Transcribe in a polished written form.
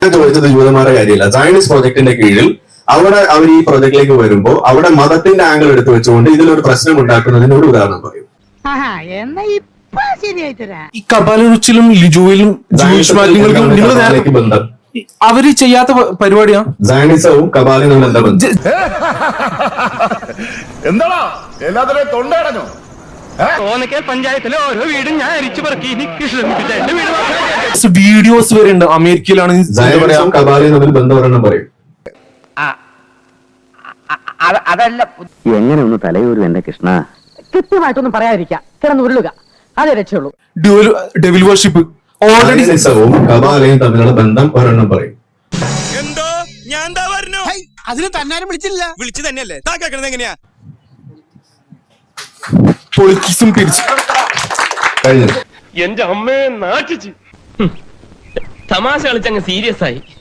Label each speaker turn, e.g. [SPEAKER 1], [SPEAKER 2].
[SPEAKER 1] ചോദിച്ചത് ജൂതന്മാരുടെ കാര്യമില്ല. സയൻസ് പ്രോജക്ടിന്റെ കീഴിൽ അവിടെ അവർ ഈ പ്രോജക്റ്റിലേക്ക് വരുമ്പോൾ അവിടെ മതത്തിന്റെ ആംഗിൾ എടുത്തു വെച്ചുകൊണ്ട് ഇതിലൊരു പ്രശ്നം ഉണ്ടാക്കുന്നതിന് ഒരു ഉദാഹരണം പറയും.
[SPEAKER 2] ഈ കപാലരുച്ചിലും ലിജുവിലും ജൂയിഷ് മാറ്റങ്ങൾക്കും നിങ്ങൾ
[SPEAKER 1] ബന്ധം
[SPEAKER 2] അവര് ചെയ്യാത്ത പരിപാടിയാ.
[SPEAKER 1] സയനിസവും കപാലിനും എന്താ ബന്ധം?
[SPEAKER 3] എന്താണോ എല്ലാത്തിനും തൊണ്ടടഞ്ഞു?
[SPEAKER 4] പഞ്ചായത്തിലെ ഓരോ വീടും ഞാൻ അരിച്ചു പറക്കി എനിക്ക് ശ്രമിപ്പിച്ച എന്റെ വീട്
[SPEAKER 2] വീഡിയോസ് വരെ ഉണ്ട്. അമേരിക്കയിലാണ്
[SPEAKER 1] സയനിസവും കപാലിനും തമ്മിൽ ബന്ധം ഒരെണ്ണം പറയും.
[SPEAKER 5] അതല്ല എങ്ങനെ ഒന്ന് തലയൂരും എന്റെ കൃഷ്ണ. കൃത്യമായിട്ടൊന്നും പറയാതിരിക്കാം, കിടന്ന് ഉരുളുക, അതേ രക്ഷയുള്ളൂ.
[SPEAKER 2] Devil worship already.
[SPEAKER 1] സയനിസവും കപാലയും തമ്മിലുള്ള ബന്ധം ഒരെണ്ണം പറയും.
[SPEAKER 6] എന്തോ ഞാൻ എന്താ പറഞ്ഞു?
[SPEAKER 7] അതിന് തന്നാരും വിളിച്ചില്ല.
[SPEAKER 6] വിളിച്ചു തന്നെയല്ലേ താ കേൾക്കണത് എങ്ങനെയാ?
[SPEAKER 2] പൊളിറ്റിക്സും പിരിച്ചു
[SPEAKER 1] കഴിഞ്ഞു.
[SPEAKER 4] എന്റെ അമ്മയെ നാട്ടിച്ച് തമാശ കളിച്ചങ്ങ് സീരിയസ് ആയി.